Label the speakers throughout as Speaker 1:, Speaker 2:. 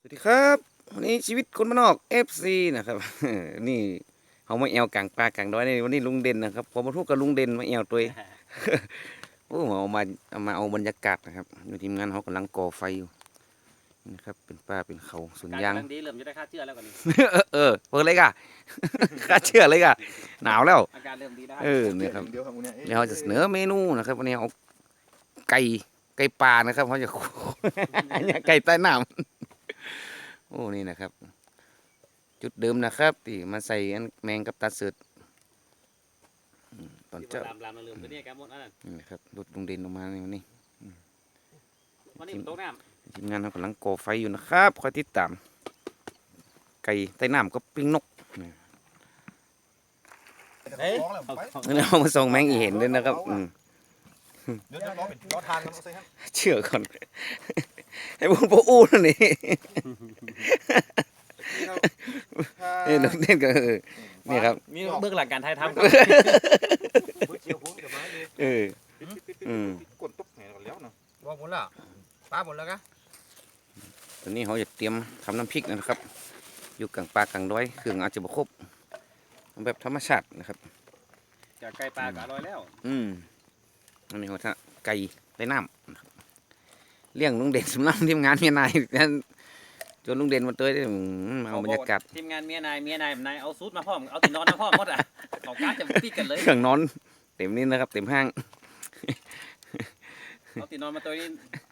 Speaker 1: สวัสดีครับวันนี้ชีวิตคนบ้านนอก FC นะครับ นี่เขามาแอวกลางป่ากลางดอยในวันนี้ลุงเด่นนะครับผมมาทุกกับลุงเด่นมาแอวตัวเอง โอ้เอามาเอาบรรยากาศนะครับอยู่ทีมงานเขากำลังก่อไฟอยู่นี่นะครับเป็นป่าเป็นเขาสวนยาง
Speaker 2: กำลังดีเริ่มจะได้ค่าเชื่อแล้วกว่านี้
Speaker 1: เปิดเลยก่ะ ข้าเชื่อเลยก่ะหนาวแล้ว
Speaker 2: อาการเริ่มดีได้
Speaker 1: เนี่ยครับ
Speaker 3: เดียวครับคุณเนี่ย
Speaker 1: เดี๋ยวเราจะเสนอเมนูนะครับวันนี้เอาไก่ปลานะครับเขาจะ เนี่ยไก่ใต้น้ำโอ้นี่นะครับ จุดเดิมนะครับที่มาใส่อันแมงกับตาเสือดตอน
Speaker 2: ที่
Speaker 1: เจ้า
Speaker 2: ลามเริ่มตัวนี้แกหมดนั่น
Speaker 1: นี่นะครับรถลุงเด่นออกมาในวันนี้
Speaker 2: วันนี้มันตกน้
Speaker 1: ทีมงานเรากำลังก่อไฟอยู่นะครับคอยติดตาม ไก่ใต้น้ำก็ปิ้งนกนี่
Speaker 3: เฮ้ยไป
Speaker 1: นี่เอามาส่งแมงอีเห็นด้วยนะครับ
Speaker 3: เดี๋ยวจะล้อเป็นล้อทางกันเอาใส่ครับ
Speaker 1: เชื่อก่อน ให้พูดโปอู้นั่นนี่นี่ลุงเด่นก็นี่ครับ
Speaker 2: ำมีเบื้องหลังการถ่ายทำ
Speaker 3: เชียวพุ่งกับไม้เลย
Speaker 1: เออ
Speaker 3: กดตุ๊บแหนกันแล้วเนาะ
Speaker 4: ว่าหมดแล้วป้าหมดแล้วกะ
Speaker 1: ตอนนี้เขาจะเตรียมทำน้ำพริกนะครับ อยู่กลางป่ากลางดอยเครื่องอาจจะบ่ครบเอาแบบธรรมชาตินะครับ
Speaker 2: จากไก่ปลาก็อร่อยแล้ว
Speaker 1: อันนี้เขาจะไก่ใต้น้ำนะครับเลี้ยงลุงเด่นสำหรับทีมงานเมียนายนั่นจนลุงเด่นมาเตยได้เอาบรรยากาศ
Speaker 2: ทีมงานเมียนายเอาซูทมาพร้อมเอาตินอนมาพร้อมหมดอ่ะเขาการจะติดกันเลย
Speaker 1: เครื่องนอนเต็มนี่นะครับ เต็มห้าง
Speaker 2: เอาตินอนมาตัวนี้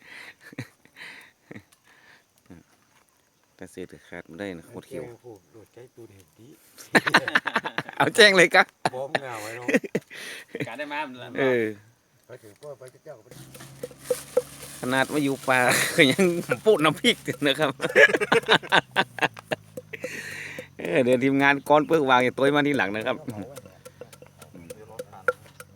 Speaker 1: แต่เสียขาดไม่ได้นะโคตรเขียว
Speaker 4: โดดใจตูนเห็นดี
Speaker 1: เอาแจ้งเลยกะ
Speaker 4: บอมเงาไว้เนาะ
Speaker 2: การได้มา
Speaker 4: ไปถึงก็ไปเจ้าก็ไป
Speaker 1: ขนาดมาอยู่ป่า ก็ยังปูดน้ำพริกนะครับ เดี๋ยวทีมงานก้อนเปลือกวางอย่าตัวมาที่หลังนะครับ
Speaker 3: เดี๋ยวล้อทาง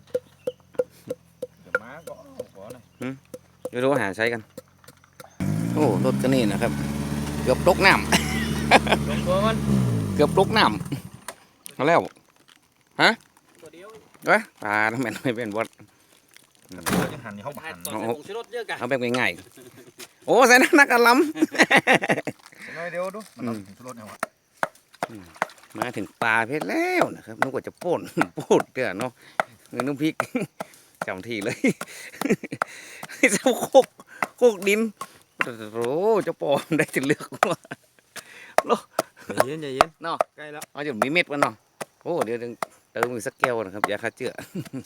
Speaker 3: เดี๋ยวม้าก็ขอหน่อย
Speaker 1: เดี๋ยวเราหาใช้กัน โอ้รถก็นี่นะครับ เกือบตกน้
Speaker 2: ลงตัวมัน
Speaker 1: ำเกือบตกน้ำเอาแล้ว
Speaker 2: ตัวเดียว
Speaker 1: เว้ยปลาทำไมไม่เป็นบอส
Speaker 3: ยังหันนี่เขาหัน
Speaker 2: ตอนใส่ผงชูรสเยอะกัน
Speaker 1: เอาแบบง่ายๆโอ้ใส่นักกะล้
Speaker 3: น้อยเดียวดูมันต้องถึงรถเนี่ยวะ
Speaker 1: ำมาถึงปลาเพชรแล้วนะครับนึกว่าจะป่น พูดเด้อเนาะเงินน้ำพริก จำทีเลย เจ้าโคกดินโอ้เจ้าปอมได้จะเลือกว่า
Speaker 4: ใจเย็นใจเย็น
Speaker 1: เนาะ
Speaker 4: ใกล้แล้ว
Speaker 1: เอาจนมีเม็ดมันเนาะโอ้เดี๋ยวเติมอีกสักแก้วนะครับยาฆ่าเชื้อ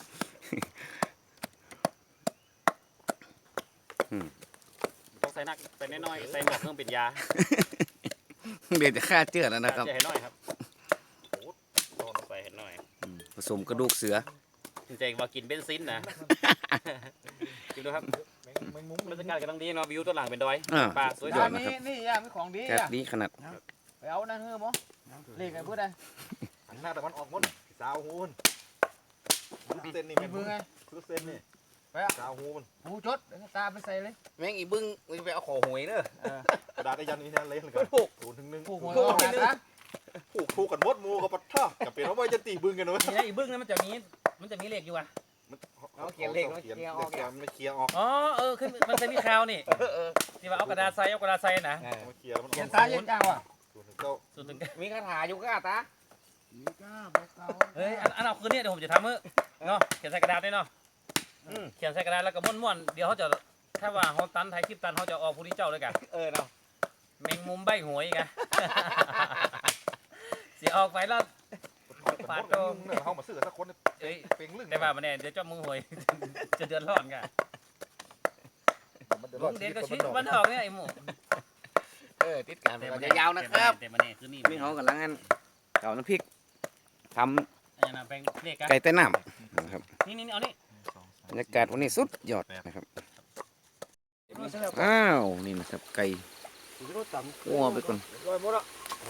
Speaker 2: ต้องใส่นักใส่น้อยๆใส่หมวกเครื่องปิดยา
Speaker 1: เดี๋ยวจะฆ่าเชื้อแล้วนะครับ
Speaker 2: จะเห็นน้อยครับโอ้ใส่เห็นน้อย
Speaker 1: ผสมกระดูกเสือ
Speaker 2: จริงๆว่ากินเบนซินนะกินดูครับ
Speaker 3: แมงมุ้ง
Speaker 2: บรรยากาศกำลังดีเนาะวิวตัวหลังเป็นดอย
Speaker 1: อ่า
Speaker 2: ป่าสวย
Speaker 1: ยอด
Speaker 2: ๆ
Speaker 1: นะครับ
Speaker 4: นี่ย่ามีของดี
Speaker 1: แค่
Speaker 4: อ่ะ
Speaker 1: นี้ขนาด
Speaker 4: ไปเอานั่นเฮ้อมั้งเรียกไงพูดได้
Speaker 3: หันหน้าแต่มันออกหมดสาวหูนเส้นนี่
Speaker 4: มีมือไง
Speaker 3: คือเส้นนี่สาวหูมัน
Speaker 4: หูจดตาไปใส่เลย
Speaker 1: แม่งอีบึ้งไปเอาขอหวยเด้อก
Speaker 3: ระดาษไอ้ยันนี่นั่นเละเลยกัน0-1
Speaker 4: ผูกหัวเอาหาซะ
Speaker 3: ผูกกันมดมูกับปัดท่ากับเป็นเพราะว่าจะตีบึ้งกันเว้ย
Speaker 2: นี่นะอีบึ้งนั้นมันจะมีเหล็กอยู่อ่ะ
Speaker 3: เขียนมันเคลียร์ออก
Speaker 2: อ๋อขึ้นมันจะมีคราวนี่ที่ว่าเอากระดาษใส่นะ
Speaker 3: มันเคลียร์มันอ
Speaker 4: เขีย
Speaker 3: อน ก
Speaker 4: ตาเย็นจังว่ะ
Speaker 2: ส่วนถึง
Speaker 1: มีคาถาอยู่ก็ตา
Speaker 2: เฮ้ยอันเอาคืนนี้เดี๋ยวผมจะทำเนาะเขียนใส่กระดาษได้เนาะเขียนใส่กระดาษแล้วก็ม้วนๆเดี๋ยวเขาจะถ้าว่าเขาตันไทยคลิปตันเขาจะออกผู้ที่เจ้าเลยกัน
Speaker 1: เนาะ
Speaker 2: แมงมุมใบหวยกันเสียออกไปแล้ว
Speaker 3: ปาดโตเข้ามาซื้อสักคน
Speaker 2: เอ้ย
Speaker 3: เป็นลึ่ง
Speaker 2: ได้ว่ามาแน่เดี๋ยวเจ้ามือหวย จะเดือดร้อนกันลุงเด็กก็ชี้มันออกเนี่ยไอ้หมู
Speaker 1: ติดกันจะยาวนะครับ
Speaker 2: แต่มาเนี่ยคือนี่
Speaker 1: นี่เขากำลังเก่าน้ำพริกท
Speaker 2: อันนั้นเป็นเลขกัน
Speaker 1: ำไก่ใต้น้ำนะครับ
Speaker 2: นี่เอานี่
Speaker 1: บรรยากาศวันนี้สุดยอดนะครับอ้าวนี่นะครับไก่คั่วไปก่อน
Speaker 4: ลอยหมดแล้ว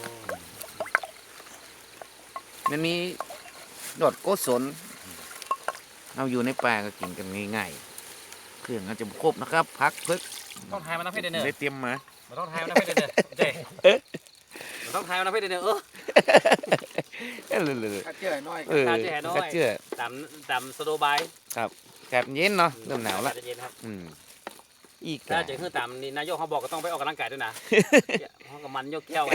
Speaker 1: มันมีดอดโกศลเราอยู่ในป่าก็กินกันง่ายๆเครื่องอาจจะครบนะครับพักพึก
Speaker 2: ต้องทายมันน้ำเพชรเด้อ
Speaker 1: ได้เตรียมมา
Speaker 2: มันต้องทายมันน้ำเพชรเด้อเจ๊มันต้องทายมันน้ำเพชรเด้อ
Speaker 1: เลย
Speaker 4: ข้าเจื่อยน้อย
Speaker 1: กัดเจือ
Speaker 2: ตามสโลบาย
Speaker 1: แกบเย็นเนาะเริ่มหนาวละ
Speaker 2: เย็นครับ
Speaker 1: อีก
Speaker 2: ถ้าจะคือตามนี่นายกเขาบอกก็ต้องไปออกกำลังกายด้วยนะเขากับมันยกแก้วไง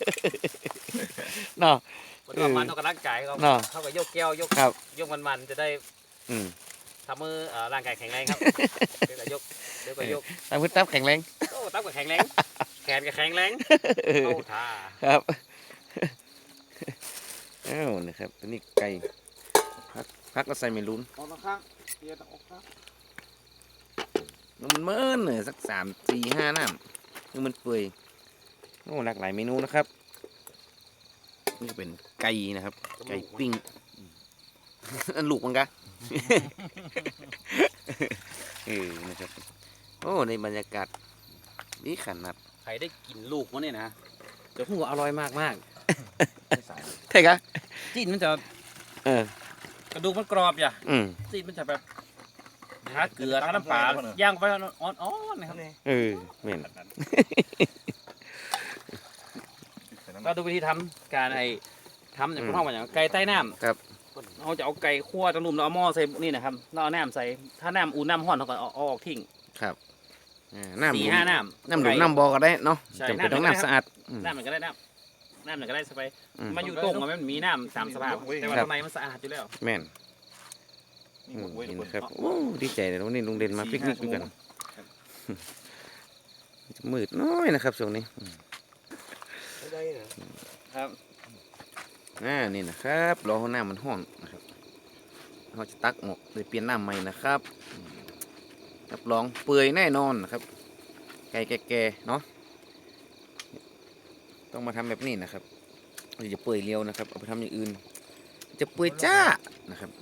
Speaker 1: เนาะ
Speaker 2: มันก็มันออกกำลังกายเขา
Speaker 1: เนาะ
Speaker 2: เขาก็ยกแก้วยก
Speaker 1: ครับ
Speaker 2: ยกมันจะได้
Speaker 1: อืม
Speaker 2: ทำมือร่างกายแข็งแรงครับเดี๋ยวก็ยกเดี๋ยวก็ยก
Speaker 1: ตามพื้นตับแข็งแรง
Speaker 2: โอ้ตั้งก็แข็งแรงแขนก็แข็งแรงโอ้ท่า
Speaker 1: ครับอ้าวนะครับตัวนี้ไก่พักก็ใส่เมลูน
Speaker 3: ออกข้างเดี๋ยวต้องออกข้าง
Speaker 1: มันเมินเลยสัก3-4-5น้ำคือมันเปื่อยโอ้หลากหลายเมนูนะครับนี่ก็เป็นไก่นะครับ ไก่ปิ้งอันลูกมันกะ นะครับโอ้ในบรรยากาศนี่ขนาด
Speaker 2: ใครได้กินลูกมันเนี่ยนะจะพูดว่าอร่อยมากมาก
Speaker 1: ใช่กะ
Speaker 2: ๆจีนมันจะ
Speaker 1: เออก
Speaker 2: ระดูกมันกรอบอย่า
Speaker 1: อืม
Speaker 2: จีนมันจะแบบทาเกลือทาน้ำปลาย่างไปอ่อนๆนะครับ
Speaker 1: เออเหม็น
Speaker 2: เราดูวิธีทำการทำอย่างพวกเราอย่างไก่ใต้น้ำ
Speaker 1: ครับ
Speaker 2: เราจะเอาไก่คั่วตะลุ่มแล้วเอาหม้อใส่นี่นะครับแล้วเอาน้ำใส่ถ้าน้ำอุ่นน้ำห้อนเราก็เอาออกทิ้ง
Speaker 1: ครับน้ำหลุม
Speaker 2: 4-5น้ำ
Speaker 1: น้ำหลุมน้ำบ่อก็ได้เนาะ
Speaker 2: ใช่
Speaker 1: จำเป็น
Speaker 2: น้ำ
Speaker 1: ต้อง
Speaker 2: ได้ครับ
Speaker 1: น้ำสะอาดอืม
Speaker 2: น้ำมันก็ได้น้ำมันก็ได้สบาย
Speaker 1: อืม
Speaker 2: มาอยู่ตรงมันมีน้ำตามสภาพแต่ว่า
Speaker 1: ครับ
Speaker 2: ข้างในมันสะอาดอยู่แล้ว
Speaker 1: แม่น
Speaker 3: นี่
Speaker 1: อื
Speaker 3: หม
Speaker 1: ม
Speaker 3: ดเว้ยทุ
Speaker 1: เห็
Speaker 3: ก
Speaker 1: น
Speaker 3: คน
Speaker 1: ครับโอ้ดีใจเลยวันนี้ลุงเด่นมาปิกนิกด้วยกันมืดน้อยนะครับช่วงนี้
Speaker 3: ได้เหรอ
Speaker 2: ครับ
Speaker 1: นี่นะครับรอให้น้ำมันห้อนนะครับเราจะตักหมกเลยเปลี่ยนน้ำใหม่นะครับรับรองเปื่อยแน่นอนนะครับไก่แก่ๆเนาะต้องมาทำแบบนี้นะครับเราจะเปื่อยเร็วนะครับเอาไปทำอย่างอื่น จะเปื่อยจ้านะครับ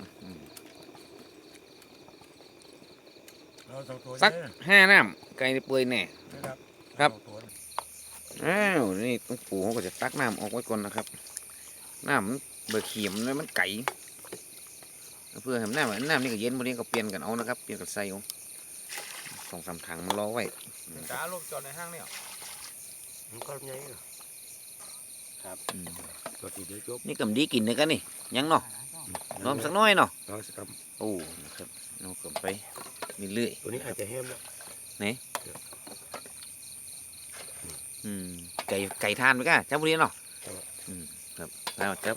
Speaker 1: สัก5 น้ำไก่นี่เปื่อยแน่ ครับ อ้าวนี่ต้องปูเขาก็จะตักน้ำออกไว้ก่อนนะครับน้ำมันเบื่อเขียมเลยมันไก่เพื่อให้น้ำนี่ก็เย็นพอดีก็เปลี่ยนกันเอานะครับเปลี่ยนกันใส่เอา2-3 ถังมันรอไว้
Speaker 4: กาลูกจอดในห้างเนี่ย
Speaker 3: มันก็ยังไงเหรอ
Speaker 1: อืม
Speaker 3: ตัวที่เดี๋ยวจบ
Speaker 1: นี่กำดีกินเลยกันนี่ยังเนาะน้อมสักหน้อยเนาะ
Speaker 3: ต่อสักค
Speaker 1: โอ้นะครับเอากลับไปเรื่อย
Speaker 3: ำตัวนี้อาจจะแห้มแล้ว
Speaker 1: ๆไก่ทานไปก่ะเจ้าบุรีเนาะอืมครับแล้วเจ้า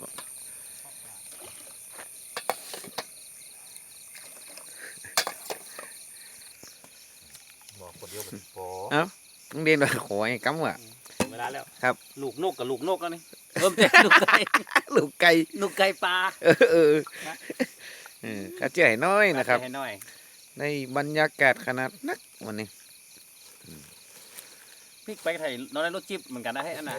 Speaker 3: บอกคนเดียวเป็นพอ
Speaker 1: ลุงเด่นว่าขอให้กำว่ะ
Speaker 2: เวลาแล้ว
Speaker 1: ครับ
Speaker 2: ลูกนกกับลูกนกแล้วนี่เริ่มจากลูกไก่
Speaker 1: ลูกไก่
Speaker 2: ลูกไก่ปลา
Speaker 1: ข้าเจ้าให้น้อยนะครับ
Speaker 2: ให้หน่อย
Speaker 1: ในบรรยากาศขนาดนักวันนี้
Speaker 2: พริกไปไทยเราได้รสจิ๊บเหมือนกันนะให้อันน่ะ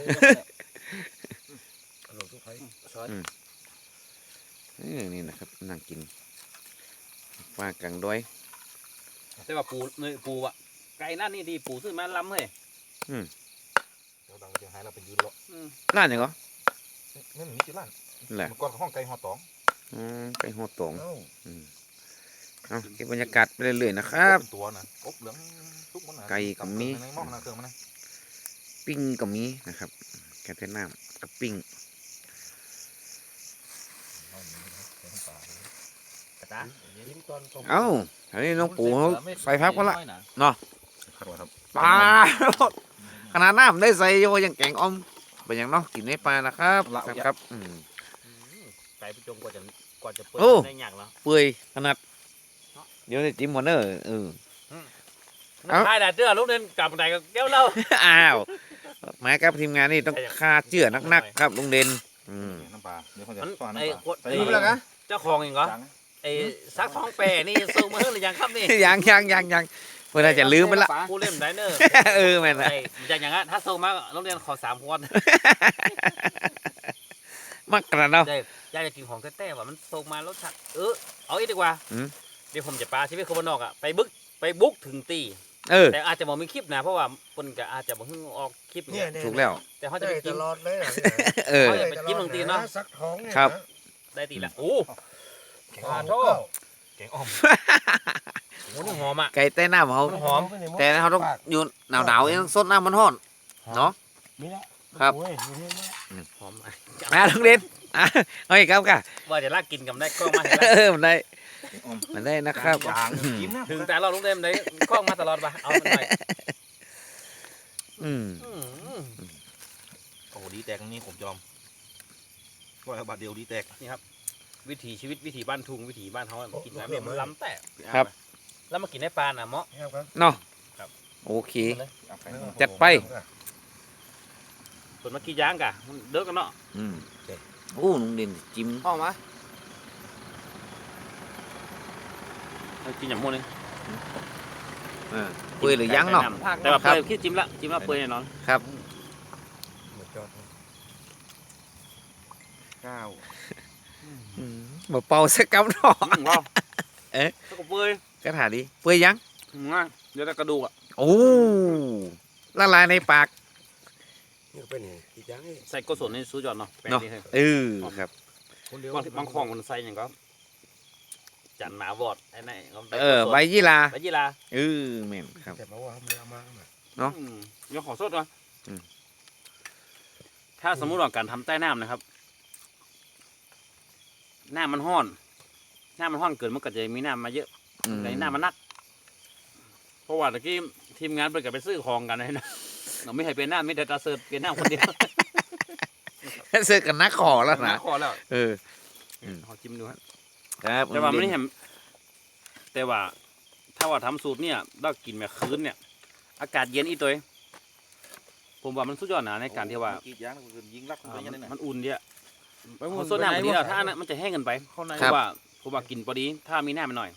Speaker 3: อร่อยทุกไผ่ช้อน
Speaker 1: นี่นะครับนั่งกินปลากลางดอย
Speaker 2: แต่ว่าปูอะไก่นั่นนี่ดีปูซื้อมาล้ำเฮ้ย
Speaker 3: เดี๋ยวดังจะหายเราเป็นยืนรอ
Speaker 1: ร้านยังเหรอ
Speaker 3: นี่มันมีจุดล้าน
Speaker 1: แหละ
Speaker 3: มันก่อนห้องไก่หอตอง
Speaker 1: ไก่หัวตอง
Speaker 3: เอ้า
Speaker 1: เอาเก็บบรรยากาศไปเรื่อยๆนะครับ
Speaker 3: เป็นตัวนะอบเหลืองทุกมันนะ
Speaker 1: ไก่กับมี
Speaker 3: ในหม้อนะเครื่องมันนะ
Speaker 1: ปิ้งก็มีนะครับแกงเทน้ำกับปิ้ง
Speaker 2: ตา
Speaker 3: ยิ้มตอนต้ม
Speaker 1: เอ้าอันนี้น้องปู่เขาใส่พักก็ละเนาะ
Speaker 3: ครับ
Speaker 1: ปลาขนาดน้ำได้ใส่โยยังแกงออมเป็นอย่างเนาะกินในปลานะครับครับๆ
Speaker 2: ไก่ไปจงกว่าจะเปิด
Speaker 1: โอ้
Speaker 2: ได้ยากแล้ว
Speaker 1: เปื่อยขนาดเดี๋ยวจะจิ้มหมดเนอะเออ เอ้า
Speaker 2: ใช่แต่เจ้าลูกเดินกลับบันไดก็แก้วเหล้า
Speaker 1: อ้าวมากับทีมงานนี่ต้องฆ่าเจื่อนักๆครับลุงเด่น
Speaker 3: น้ำปลาเดี๋ยวเขาจะ
Speaker 2: มัน
Speaker 3: ซ่อน
Speaker 2: ไอ้
Speaker 3: น้ำปลา
Speaker 2: คน
Speaker 3: ใส่
Speaker 2: ไอ้
Speaker 3: ไปแล้วนะ
Speaker 2: เจ้าของเองเหรอ
Speaker 3: จัง
Speaker 2: ไอ้ซักท้องแปรนี่ส่งมาเฮ้ยหรือยังครับนี่
Speaker 1: ยังเพื่อนอาจจะลืมไปละ
Speaker 2: ผู้เล่นไดเนอร์
Speaker 1: แม่นนะ
Speaker 2: ไอ้อย่างอย่างนั้นถ้าส่งมาโรงเรียนขอ3 คน
Speaker 1: มักกระเนาะ
Speaker 2: ได้อยากจะกินของแต้ๆว่ามันส่งมารสชาติเอาอีกดีกว่า
Speaker 1: อืม
Speaker 2: เดี๋ยวผมจะปาชีวิตคนบ้านนอกอ่ะไปบุกถึงตี แต่อาจจะบอกมีคลิปนะเพราะว่าคนก็อาจจะบอกให้ออกคลิป
Speaker 3: เนี่ย
Speaker 1: ถูกแล้ว
Speaker 2: แต่เขาจะไปกิน
Speaker 3: ตลอดเลยนะ
Speaker 2: เขาจะไปกินบางทีเนาะ
Speaker 3: สักท้องเนี่ย
Speaker 1: ครับ
Speaker 2: ได้ตีละโอ้
Speaker 3: แกงอ่อม
Speaker 2: โทษ
Speaker 3: แกงอ่อม
Speaker 2: โหนี่หอมอ่ะ
Speaker 1: ไก่ใต้น้ำเขา
Speaker 2: มันหอม
Speaker 1: แต่เขาต้องอยู่หนาวๆเองสดน้ำมันห้อนเนาะ
Speaker 3: นี่แหละ
Speaker 1: ครับ
Speaker 3: โอ้ยอยู่นี่แหละ
Speaker 2: หอมอ่ะ
Speaker 1: มาลุงเด่นเอาอีกครับค่ะ
Speaker 2: ว่าจะลากกินกับได้ก็มาเห็นแล้ว
Speaker 1: มันได้มาได้นะครับ
Speaker 3: จางจิ้มนะ
Speaker 2: ถึงแต่เราลุงเดมได้คล้องมาตลอดปะเอามันหน่อย
Speaker 1: อืม
Speaker 3: โอ้ดีแตกนี่ผมยอมว่าบาทเดียวดีแตก
Speaker 2: วิถีชีวิตวิถีบ้านทุ่งวิถีบ้านเขาอะมันกินแบบนี้มันล้ำแต่
Speaker 1: ครับ
Speaker 2: แล้วมากินในปลาน่ะเหมาะ
Speaker 1: เนาะ
Speaker 2: ครับ
Speaker 1: โอเค จัดไป
Speaker 2: ส่วนมากี่ย่างกะมันเด้อกันเนาะ
Speaker 1: อืมโอ้ลุงเด่นจิ้ม
Speaker 2: ออกมากินอย่างมูนึง
Speaker 1: เปื่อยหรือยังเนาะ
Speaker 2: แต่ว่า
Speaker 1: ครับ
Speaker 2: เปื่อยคิดจิ้มละเปื่อยแน่นอน
Speaker 1: ครับ
Speaker 3: ก้าว
Speaker 1: มาเป่าสักกำเนาะ
Speaker 2: ว้าว
Speaker 1: เอ๊ะ
Speaker 2: แล้วก็เปื่อย
Speaker 1: กระถาดีเปื่อยยัง
Speaker 2: ง่ายเดี๋ยวแต่กระดูกอ่ะ
Speaker 1: โอ้ละลายในปาก
Speaker 5: นี่ก็เป็นอีกอย่างนี่
Speaker 2: ใส่โกศลในซูจอดเนาะแปลง
Speaker 1: เนาะ
Speaker 2: ดีเลย
Speaker 1: ครับ
Speaker 2: บางของมันใส่อย่างก็จันหมาวอดไอ้นี่ก็
Speaker 1: ใบยี่ลา
Speaker 2: ใบยีรา
Speaker 1: แม่นครับ
Speaker 5: แต่บอกว่าไม่เอามา
Speaker 1: เนาะ
Speaker 2: เดี๋ยวขอสดก่อน
Speaker 1: อืม
Speaker 2: ถ้าสมมุติว่าการทำใต้น้ำนะครับน้ำมันห้อนเกินมันก็จะมีน้ำมาเยอะ ในน้ำมันนัก เพราะว่าตะกี้ทีมงานไปกับไปซื้อของกันเลยนะเราไม่ให้เป็นน้ำไม่ได้ตาเสิร์ฟเป็นน้ำคนเดียว
Speaker 1: เสื้อกันนักขอแล้วนะ
Speaker 2: ขอแล้ว
Speaker 1: อืม
Speaker 2: ขอจิ้มดูครับ
Speaker 1: ครับ
Speaker 2: แต่ว่าไม่เห็นแต่ว่า ถ้าว่าทำสูตรเนี่ยเรากินแบบคืนเนี่ย อากาศเย็นอีตัวเองผมว่ามันสุดยอดนะในการที่ว่า
Speaker 3: กีดยางคือยิงรักมันยังไงนะ
Speaker 2: มันอุ่นเดียมันส่วนน้ำมันดีแล้วถ้ามันจะแห้งเกินไปเพราะว่าผมว่ากินพอดี ถ้ามีน้ำมันหน่อย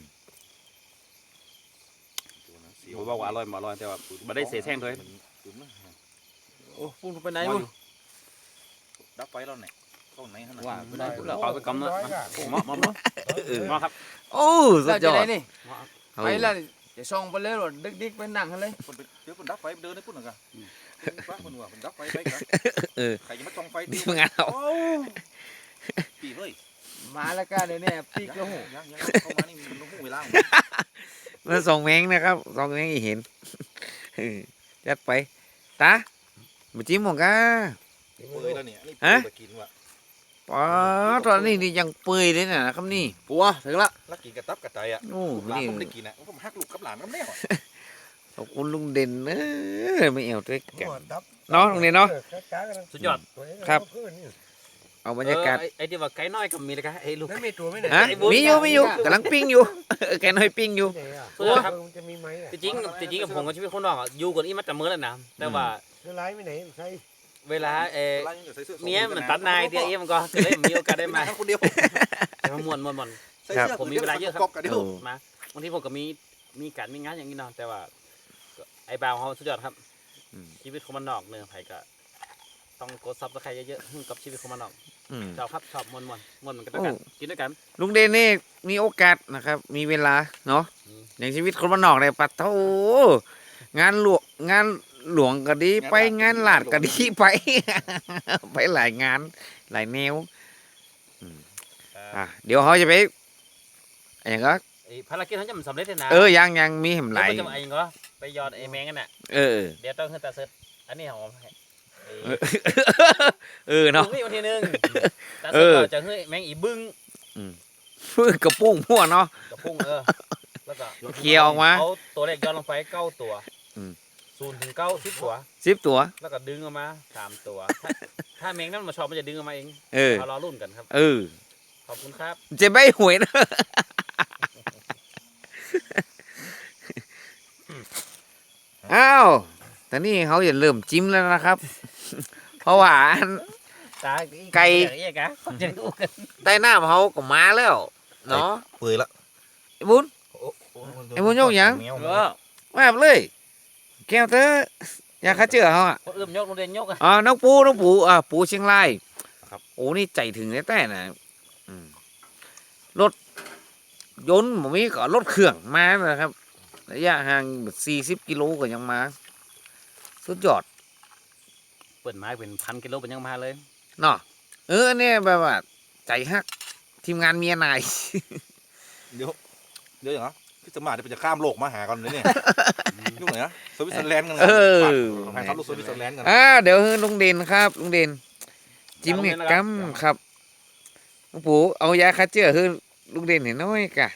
Speaker 2: ผมว่าอร่อยแต่ว่าไม่ได้เสียแห้งเลย
Speaker 4: โอ้พุ่งไปไหน
Speaker 2: ว่า
Speaker 4: วะ
Speaker 2: อยู่
Speaker 3: ดับไฟแล้วเนี่ยเข้าไหนขนาด
Speaker 2: ว่าไม่ได้เราเอาไปกำเนาะเหมาะครับ
Speaker 1: โอ้สุดยอด
Speaker 4: นี่ไปแล้วจะส่องไปเลยหรอดึกๆไปนั่งกันเลย
Speaker 3: คนเดี๋ยวคนดับไฟเดินได้ปุ่นหนึ่งกันป้าคนว่าคนดับไฟไปกันใครจะมาจ้องไฟ
Speaker 1: นี่มึงเอา
Speaker 3: ปีเฮ้ย
Speaker 4: มาแล้วก็เดี๋ยวนี้ปีกแล้วหู
Speaker 3: ยังเข้ามานี่มันต้องหูเวลา
Speaker 1: มันส่งแมงนะครับส่งแมงอีเห็นจัดไปตามาจิ้มหมดกะ
Speaker 3: เปื่อยแล้วเนี่ยนี่เปื่อยกินว่ะ
Speaker 1: ป๋อตอนนี้นี่ยังเปื่อยเลยนะครับนี่
Speaker 4: ปัวถึงละ
Speaker 3: แล้วกินกระตับกระใจอ่ะ
Speaker 1: โอ้
Speaker 3: หลาน
Speaker 1: นี่
Speaker 3: ผมได้กินอ่ะผมฮักลูกกับหลานกับแม่
Speaker 1: ขอบคุณลุงเด่นไม่เอาด้วยกัน
Speaker 5: ดับ
Speaker 1: เนาะลุงเด่นเนาะ
Speaker 2: สุดยอด
Speaker 1: เอาบรรยากาศ
Speaker 2: ไอ้ที่ว่าไก่น้อยกับมีเลยครับไอ้ลูก
Speaker 5: นั่นมีตัวไหมเนี่ย
Speaker 1: ฮะมีอยู่กำลังปิ้งอยู่แกน้อยปิ้งอยู่
Speaker 2: สุดยอดครับ
Speaker 5: จะมีไหม
Speaker 2: จริงกับผมกับชีวิตคนนอกอะอยู่กันอีมาแต่มื้อแล้วนะแต่ว่า
Speaker 5: ละลายไม่ไหนใช่
Speaker 2: เวลาเมียมันตัดนายเดียวเอ็มก็เลยมีโอกาสได้มา
Speaker 3: ทั้งคนเดียว
Speaker 2: แต่ว่าม่วนผมมีเวลาเยอะครับ
Speaker 3: กันเดียว
Speaker 2: มาบางทีผมก็มีการมีงานอย่างนี้เนาะแต่ว่าไอ้บ่าวเขาสุดยอดครับชีวิตคนมันนอกเนื้อไผ่ก็ต้องกดซับสไครเยอะๆกับชีวิตคนมันนอกชอบครับชอบม่วนเหมือนกันด้วยกันกินด้วยกัน
Speaker 1: ลุงเด่นนี่มีโอกาสนะครับ มีเวลาเนาะอย่างชีวิตคนบ้านนอกเนี่ยปัดโถงานหลวงก็ดีไปงานหลาดก็ดีไป ไปหลายงานหลายแนวเดี๋ยวเขาจะไปอย่างก็
Speaker 2: ภารกิจเขาจะมันสำเร็จเลยนะ
Speaker 1: ยังมีเห็นหลาย
Speaker 2: จะมาเองก็ไปยอดไอ้แมงกันน่ะ เดี๋ยวต้องขึ้นตาเซิร์ชอันนี้ของ
Speaker 1: เนาะ
Speaker 2: วันที่หนึ่งตาเซิร์ชจะให้แมงอีบึ้ง
Speaker 1: ฟื้นกระปุ้งมั่วเนาะ
Speaker 2: กับพุ่งแล้วก็
Speaker 1: เคลียร์ออกมา
Speaker 2: เอาตัวเลขย้อนลงไป9 ตัว0 ถึง 9 10 ตัว
Speaker 1: 10 ตัว
Speaker 2: แล้วก็ดึงออกมา3 ตัวถ้าแมงนั่นมาชอบมันจะดึงออกมาเองเรารอรุ่นกันครับขอบคุณครับ
Speaker 1: จะใบหวยนะอ้าวแต่นี่เขาจะเริ่มจิ้มแล้วนะครับ เพราะว่าไก่ใต้หน้าเขาก็มาแล้วเนาะ
Speaker 3: เปื่อยละ
Speaker 1: ไอ้บุญ ไอ้บุญโยกยัง มาเลยแก้วเตออยากข้าเจือเขาอ่ะ
Speaker 2: คนอื่นยกโรงเรียนยก
Speaker 1: น้องปูปูเชียงรายโอ้นี่ใจถึงแต่นะรถยนต์ผมมีก็รถเครื่องมานะครับระยะห่าง40 กิโลก็ยังมาสุดยอด
Speaker 2: เปิดไม้เป็น1,000 กิโลเป็นยังมาเลย
Speaker 1: เนาะเนี่ยแบบว่าใจฮักทีมงานเมียนาย
Speaker 3: เดี๋ยวอย่างนะพี่สมัครจะข้ามโลกมาหากันเลยเนี่ยยุ่งไหนนะสวิตเซอร์แลนด์กันแฟนเขาลูกสวิตเซอร์แลนด์กัน
Speaker 1: เดี๋ยวลุงเด่นครับลุงเด่นจิ้มเนี่ยกัมครับลุงปู่เอายาฆ่าเชื้อคือลุงเด่นเห็นน้อยกะ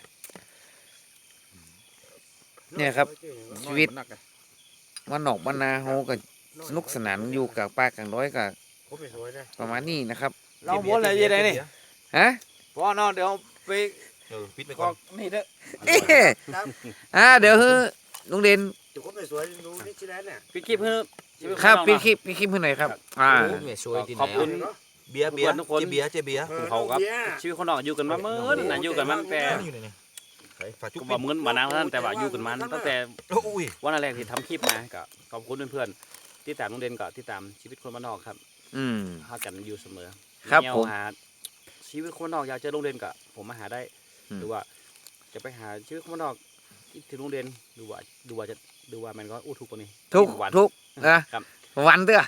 Speaker 1: เนี่ยครับ ชีวิตวันนอกบ้านนาเฮาก็สนุกสนานอยู่กับป้ากลางร้อยก็
Speaker 5: ผมไปสวยนะ
Speaker 1: ประมาณนี้นะครับ
Speaker 4: เราบนอะไรยังไงนี่
Speaker 1: ฮะ
Speaker 4: พอเนาะเดี๋ยวไป
Speaker 3: ปิดไป
Speaker 4: ก
Speaker 3: ก่
Speaker 4: อ
Speaker 3: อน
Speaker 4: กนี่เด้อ
Speaker 1: เอ๊ะเดี๋ยวลุงเด่น
Speaker 5: จุกผมไปสวยดูนี่ชิแลนเนี่ย
Speaker 2: ปิดคลิปเพื่อชีวิต
Speaker 1: ครับ
Speaker 2: ของ
Speaker 1: พี่
Speaker 2: เรา
Speaker 1: คลิปพี่คลิปให้หน่อยครับ
Speaker 2: ขอบคุณ
Speaker 3: เบียร์เบียร์เจ๊เบียร์เจ๊เบียร์
Speaker 2: เขาครับชีวิตคนนอกอยู่กันมาเมื่อนะอยู่กันมาตั้งแต่
Speaker 3: อยู่ไหนฝากจุ๊บ
Speaker 2: ก็บอกเงินมานานแล้วแต่ว่าอยู่กันมาตั้งแต่
Speaker 3: โอ้ย
Speaker 2: วันแรกที่ทำคลิปมาก็ขอบคุณเพื่อนๆที่ตามลุงเด่นก็ที่ตามชีวิตคนบ้านนอกครับ
Speaker 1: อืม
Speaker 2: หากันอยู่เสมอ
Speaker 1: ครับ
Speaker 2: แนว
Speaker 1: ผม
Speaker 2: หาชีวิตคนบ้านนอกอยากเจอลุงเด่นก็ผมมาหาได้
Speaker 1: อืม
Speaker 2: หรือว่าจะไปหาชีวิตคนบ้านนอกที่ลุงเด่นดูว่ามันก็อู้ทุกคนนี้
Speaker 1: ทุก
Speaker 2: วัน
Speaker 1: ทุกนะครับ วันเด้อ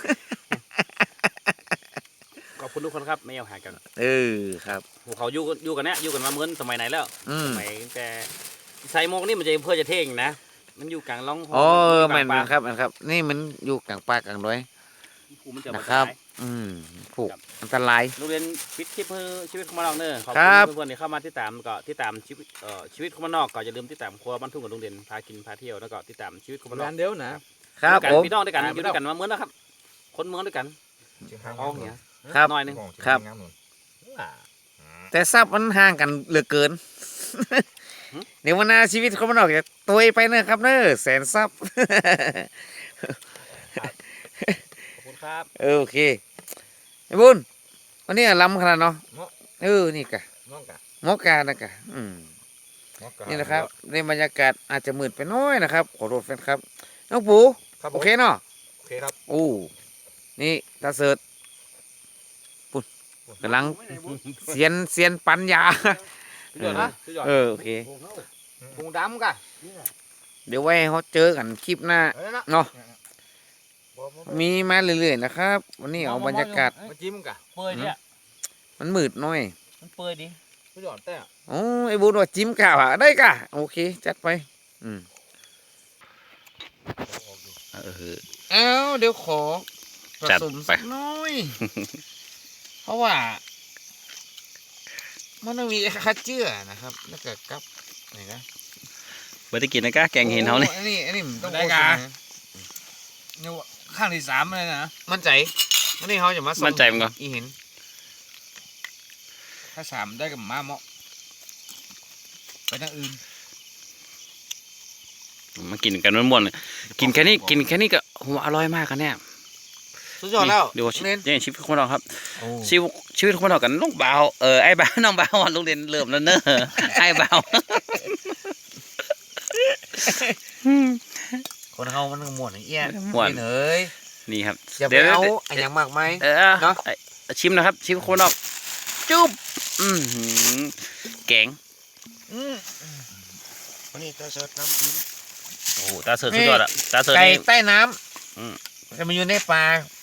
Speaker 2: ขอบคุณทุกคนครับไม่เอาหากัน
Speaker 1: ครับ
Speaker 2: พวกเขาอยู่กันเนี่ยอยู่กันมาเหมือนสมัยไหนแล้ว
Speaker 1: อืม
Speaker 2: สมัยแต่ใส่โมกนี่มันจะเพื่อจะเท่งนะ มันอยู่กลางร่อง
Speaker 1: อ๋อ
Speaker 2: อยู่ก
Speaker 1: มั
Speaker 2: ลาน งป่า
Speaker 1: ครับมันครับ นี่มันอยู่กลางป่ากลางดอย
Speaker 2: ผูมันจะ
Speaker 1: นะ
Speaker 2: มา
Speaker 1: ครับ
Speaker 2: ตาย
Speaker 1: อืมผูก
Speaker 2: ครับ
Speaker 1: อันตราย
Speaker 2: โรงเรียนปิดคลิปเพื่อชีวิตของมันนอกเนอะขอบ
Speaker 1: ครั
Speaker 2: คุ
Speaker 1: บ
Speaker 2: ณเพื่อนๆที่เข้ามาที่ตามก็ที่ตามชีวิตของมันนอกก็อย่าลืมที่ตามครัวบ้านทุ่งกับโรงเรียนพากินพาเที่ยวแล้วก็ที่ตามชีวิตของมันนอก
Speaker 4: งานเดียวนะ
Speaker 1: ครับ
Speaker 2: กัน
Speaker 1: ผม
Speaker 2: พี่น้องด้วยกันอยู่ด้วยกันมาเหมือนนะครับ คนเมืองด้วยกันเอาอย่างเงี้ย
Speaker 1: ครับ
Speaker 2: น้อยหนึง
Speaker 1: ครับ แต่ทรัพย์มันห่างกันเหลือเกิน เดี๋ยววันหน้าชีวิตเขามันออกจากตัวไปเนอะครับเนอะแสนทรัพย์
Speaker 2: ขอบคุณครับ
Speaker 1: โอเคไอ้บุญวันนี้ล้ำขนาดเนาะนี่กะ
Speaker 3: น้องกะ
Speaker 1: หมอกานะกะนี่นะครับในบรรยากาศอาจจะมืดไปน้อยนะครับขอโทษแฟนครับน้องปู
Speaker 3: ครับ
Speaker 1: โอเคเนาะ
Speaker 3: โอเคครับ
Speaker 1: โอ้นี่ตาเสิร์ตปุ่นกำลังเซียนปัญญา
Speaker 4: สุดยอดนะสุดยอด
Speaker 1: โอเค
Speaker 4: พุงดำกะ
Speaker 1: เดี๋ยวไว้ให้เขาเจอกันคลิปหน้า
Speaker 4: เออนะ
Speaker 1: เนาะมีมาเรื่อยๆนะครับ วันนี้เอาบรรยากาศ
Speaker 4: มาจิ้มกะ
Speaker 2: เปื่อยเนี่ย
Speaker 1: มันมืดหน่อย
Speaker 2: มันเปื่อยดิ
Speaker 4: สุดยอดแต่
Speaker 1: โอ้ไอ้บุญว่าจิ้มกะว่ะได้กะโอเคจัดไปเอาเดี๋ยวขอผ
Speaker 2: จัด
Speaker 1: สม
Speaker 2: ไป
Speaker 1: สักหน้อย เพราะว่า มันต้องมีคัดเจือนะครับ แล้วก็กับไหนนะ
Speaker 2: เมื่อกี้นะก้าแกงเห็นเขาเนี่ย
Speaker 1: โอ้อันนี้มันต้อง
Speaker 4: ได้
Speaker 1: โฆษ
Speaker 4: กะ
Speaker 1: ณา
Speaker 4: เนี่ยข้างที่3เลยนะ
Speaker 1: มั่นใจวันนี้เขาจะมาส่ง
Speaker 2: มั่นใจมั้งก่อน
Speaker 1: อีเห็น
Speaker 4: ถ้า3ได้กับมาเหมาะไปทางอื่น
Speaker 2: มากินกันม่วนๆกินแค่นี้ก็โหอร่อยมากกันเนี่ย
Speaker 1: สุดยอดแล้ว
Speaker 2: ดู
Speaker 1: เน้น
Speaker 2: ชีวิตคนเราครับ
Speaker 1: โอ้
Speaker 2: ชีวิตคนเรากันน้องบ่าวไอ้บ่าวน้องบ่าวโรงเรียนเริ่มแล้วเนอะไอ้บ่าว
Speaker 1: คนเขามันม่วนอย่างเอี้ย
Speaker 2: ม่วน
Speaker 1: เอ้ย
Speaker 2: นี่ครับ
Speaker 1: อย่าไป
Speaker 2: ดี๋ยว
Speaker 1: เอาอันอย่างมากมาย เนาะ
Speaker 2: ชิมนะครับชิมคนออกจุ๊บหือแกง
Speaker 5: วันนี้ตาเสิร์ฟน้ำจิ้ม
Speaker 2: โอ้โหตาเสิร์ฟสุดยอดอะตาเสิร์ฟ
Speaker 1: ไก่
Speaker 2: นี่
Speaker 1: ใต้น้
Speaker 2: อืม
Speaker 1: ำจะมาอยู่ในป่า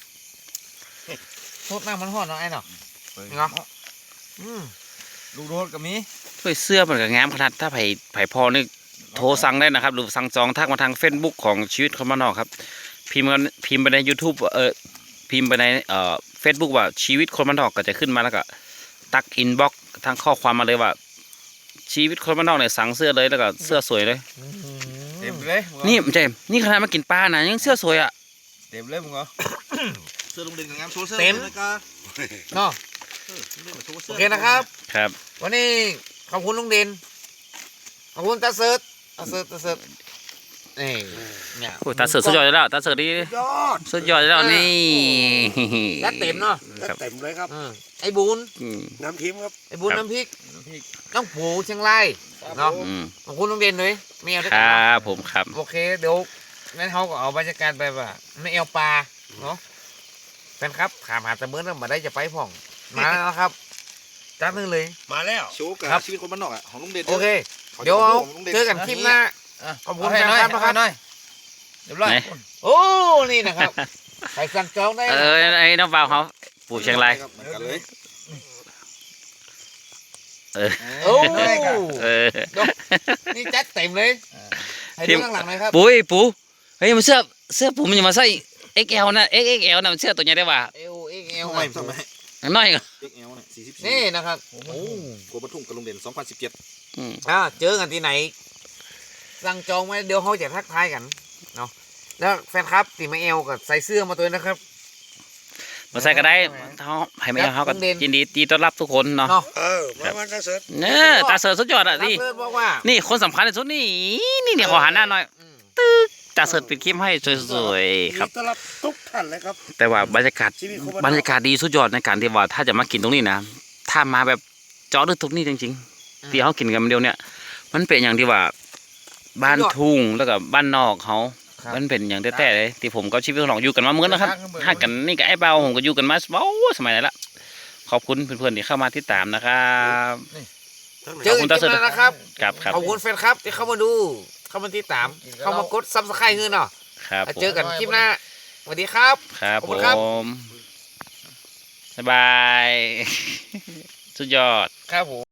Speaker 1: ทุบน้ำมันหอดเนาะไอ้เนาะเนาะ
Speaker 4: ลูกโดดก็มี
Speaker 2: ถ้วยเสื้อมันก็งามขนาดถ้าไผ่พอนี่โทรสั่งได้นะครับหรือสั่งจองทักมาทาง Facebook ของชีวิตคนบ้านนอกครับพิมพ์ไปใน YouTube พิมพ์ไปในFacebook ว่าชีวิตคนบ้านนอกก็จะขึ้นมาแล้วก็ตักอินบ็อกทางข้อความมาเลยว่า ชีวิตคนบ้านนอกเนี่ยสั่งเสื้อเลยแล้วก็เสื้อสวยเลย
Speaker 4: เต็มเลย
Speaker 2: นี่เจมส์นี่ขนาดมากินปลานะยังเสื้อสวยอ่ะ
Speaker 4: เต็มเลยมึงเหรอ
Speaker 3: เสื้อลุงเด่นกับงามโชว์เสื้อ
Speaker 1: เต็ม
Speaker 3: เลยกะ
Speaker 1: เนาะ
Speaker 3: โชว์
Speaker 1: โอ
Speaker 3: เสื้อ
Speaker 1: เคนะครับ
Speaker 2: ครับ
Speaker 1: วันนี้ขอบคุณลุงเด่นขอบคุณตาเสิร์ตนี่เนี่ย
Speaker 2: โอ้ตาเสิร์ฟสุดยอดแล้วตาเสิร์ฟนี่
Speaker 5: ยอด
Speaker 2: สุดยอดแล้วนี่
Speaker 1: ยัดเต็มเนาะ
Speaker 2: ครับ
Speaker 5: เต็มเลยครับ
Speaker 1: ไอ้บุญ
Speaker 2: อืม
Speaker 5: น้ำทิมครับ
Speaker 1: ไอ้บุญ
Speaker 2: ครับ
Speaker 1: น้ำพริกน้องปูเชียงรายเนาะ
Speaker 2: อืม
Speaker 1: ขอบคุณลุงเด่นเลยไม่เอาด้วย
Speaker 2: ค
Speaker 1: กัน
Speaker 2: รั
Speaker 1: เนาะ
Speaker 2: บผมครับ
Speaker 1: โอเคเดี๋ยวงั้นเขาก็เอาบรรยากาศไปว่าไม่เอาปลาเนาะแฟนครับถามหาแต่เมื่อนั้นมาได้จะไปพ่องมาแล้วครับจ้านึงเลย
Speaker 5: มาแล้ว
Speaker 3: โชว์กับ
Speaker 1: ครับ
Speaker 3: ชีวิตคนบ้านนอกอะของลุงเด่น
Speaker 1: โอเค
Speaker 3: ขา
Speaker 1: เดี๋ยวเอา
Speaker 3: ของลุงด่
Speaker 1: เจอกันคลิปหน้า ขอบคุณแฟนคลับนะครับ
Speaker 4: หน่อยเรียบร้อย
Speaker 2: ไหน
Speaker 1: โอ้นี่นะครับใครสั่งจองได้นะ
Speaker 2: ไอ้น้องบ่าวเขาปู่เชียงราย
Speaker 3: เหมือนกันเลย
Speaker 1: โอ้
Speaker 2: เออ
Speaker 1: นี่จัดเต็มเลยให้ดูข้างหลังหน่อยครับ
Speaker 2: ปู่เฮ้ยมันเสื้อปู่มันจะมาใส่ XL นะ XXL นะมันเสื้อตัวใหญ่ได้ว่ะ
Speaker 1: เอวเอ
Speaker 3: ทำไม
Speaker 1: ล
Speaker 3: ทำไม
Speaker 1: น้อยก็
Speaker 3: XL เนี่ย44
Speaker 6: นี่นะครับโอ้
Speaker 3: กัวปทุมกับลุงเด่น2017
Speaker 6: เจอกันที่ไหนสั่งจองไว้เดี๋ยวเขาจะทักทายกันเนาะแล้วแฟนครับตีมาเอลกับใส่เสื้อมาตัวนะครับ
Speaker 1: มาใส่ก็ได้เขาให้ไม่เอาเขาก็ยินดีต้อนรับทุกคนเนาะ
Speaker 6: เนาะ
Speaker 5: มาตาเสิร์ต
Speaker 1: เนี่ยตาเสิร์ฟสุดยอดอ่ะ
Speaker 6: รับ
Speaker 1: นี่
Speaker 6: เลิศบอกว่า
Speaker 1: นี่คนสำคัญที่สุดนี่ขอหันหน้าหน่อย
Speaker 6: อืม
Speaker 1: ตาเสิร์ฟปิดคลิปให้สวยๆครับ
Speaker 5: ต้อนรับทุกท่านเลยครับ
Speaker 1: แต่ว่าบรรยากาศ
Speaker 5: ชีวิตคนบ้านนอก
Speaker 1: บรรยากาศดีสุดยอดในการที่ว่าถ้าจะมากินตรงนี้นะถ้ามาแบบเจาะลึกตรงนี้จริงๆที่เขากินกันเดียวเนี่ย มันเป็นอย่างที่ว่าบ้านทุ่งแล้วก็บ้านนอกเขามันเป็นอย่างแต่ๆเลยที่ผมกับชีวิตของเราอยู่กันมาเหมือนนะครับห่างกันนี่กับไอ้เบาผมก็อยู่กันมาสมัยไหนละขอบคุณเพื่อนๆที่เข้ามาติดตามนะครับ
Speaker 6: เจอกันคลิปหน้านะครับ
Speaker 1: ครับครับ
Speaker 6: ขอบคุณแฟนครับที่เข้ามาดู เข้ามาติดตาม เข้ามากดซับสไครต์เงินเนาะ
Speaker 1: ครับผม
Speaker 6: เจอกันคลิปหน้าสวัสดีครับ
Speaker 1: ครับ
Speaker 6: ขอบ
Speaker 1: ผ
Speaker 6: คุณครับ
Speaker 1: มบ๊ายบาย สุดยอด
Speaker 6: ครับผม